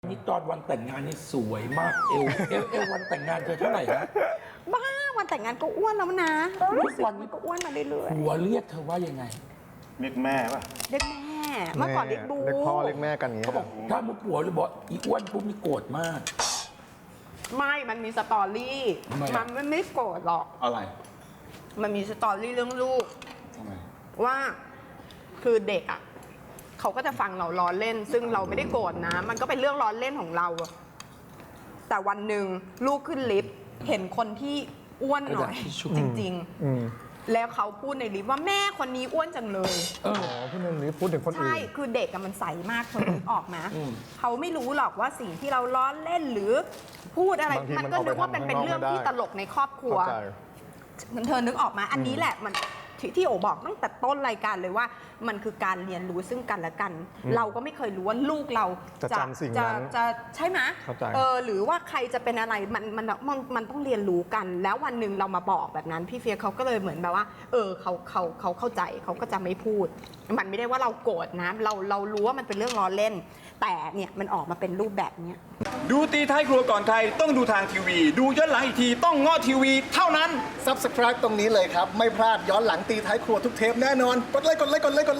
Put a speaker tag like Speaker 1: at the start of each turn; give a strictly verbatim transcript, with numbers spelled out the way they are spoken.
Speaker 1: นี่ตอนวันแต่งงานนี่สวยมากเอวเอวเอววันแต่งงานเธอเท่าไหร่ฮะ
Speaker 2: บ้าวันแต่งงานก็อ้วนแล้วนะรู้สึกมันก็อ้วนมาเรื่อย
Speaker 1: หัวเรียกเธอว่ายังไง
Speaker 3: เรียกแม่ป่ะ
Speaker 2: ๆเรียกแม่เมื่อก่อนเรียกบู
Speaker 4: เรียกพ่อเรียกแม่กันอย่างเงี้
Speaker 1: เขา
Speaker 4: ย
Speaker 1: บอกถ้ามุกผัวหรือบอกอีอ้วนปุ๊บนี่โกรธมาก
Speaker 2: ไม่มันมีสตอรี่
Speaker 1: ทำไมอะ
Speaker 2: มันไม่ไม่โกรธหรอก
Speaker 3: อะไร
Speaker 2: มันมีสตอรี่เรื่องลูก
Speaker 3: ทำไม
Speaker 2: ว่าคือเด็กอ่ะเขาก็จะฟังเราล้อเล่น ซึ่งเราไม่ได้โกรธนะ มันก็เป็นเรื่องล้อเล่นของเราอะแต่วันหนึ่งลูกขึ้นลิฟต์เห็นคนที่อ้วนหน่อย
Speaker 1: กระดาษทิชชู่
Speaker 2: จริง
Speaker 4: อืม
Speaker 2: ๆ แล้วเขาพูดในลิฟต์ว่าแม่คนนี้อ้วนจังเลย
Speaker 1: เอ
Speaker 4: อ๋
Speaker 1: อ
Speaker 4: อพี่นึงนี้พูดถึงคนอื่
Speaker 2: ใช่
Speaker 4: น
Speaker 2: คือเด็กอะมันใสมากคนนึกออกนะ
Speaker 1: อืม
Speaker 2: เขาไม่รู้หรอกว่าสิ่งที่เราล้อเล่นหรือพูดอะไร
Speaker 4: บางที
Speaker 2: มัน
Speaker 4: มัน
Speaker 2: ก็
Speaker 4: ออกไป
Speaker 2: นึกว่าเป็น
Speaker 4: ทำ
Speaker 2: เป็น
Speaker 4: ข้างนอก
Speaker 2: เรื่อง
Speaker 4: ไม่ได้
Speaker 2: ที่ตลกในครอบครัว
Speaker 4: เข้าใจ
Speaker 2: เธอนึกออกมาอันนี้แหละมันที่ที่โอบอกตั้งแต่ต้นรายการเลยว่ามันคือการเรียนรู้ซึ่งกันและกัน เราก็ไม่เคยรู้ว่าลูกเรา
Speaker 4: จะจำสิ่ง
Speaker 2: จะ
Speaker 4: นั้น
Speaker 2: จะใช่ไหม
Speaker 4: เข้าใจ
Speaker 2: เออหรือว่าใครจะเป็นอะไรมันมันมันมันต้องเรียนรู้กัน แล้ววันหนึ่งเรามาบอกแบบนั้นพี่เฟียเขาก็เลยเหมือนแบบว่า เออเขาเขาเขาเข้าใจเขาก็จะไม่พูด มันไม่ได้ว่าเราโกรธนะ เราเรารู้ว่ามันเป็นเรื่องล้อเล่น แต่เนี่ยมันออกมาเป็นรูปแบบเนี้ย
Speaker 5: ดูตีท้ายครัวก่อนใครต้องดูทางทีวี ดูย้อนหลังอีกทีต้องง้อทีวีเท่านั้น
Speaker 6: Subscribe ตรงนี้เลยครับ ไม่พลาดย้อนหลังตีท้ายครัวทุกเทปแน่นอน กดไลค์กดไลค์กดไลค์กดไลค์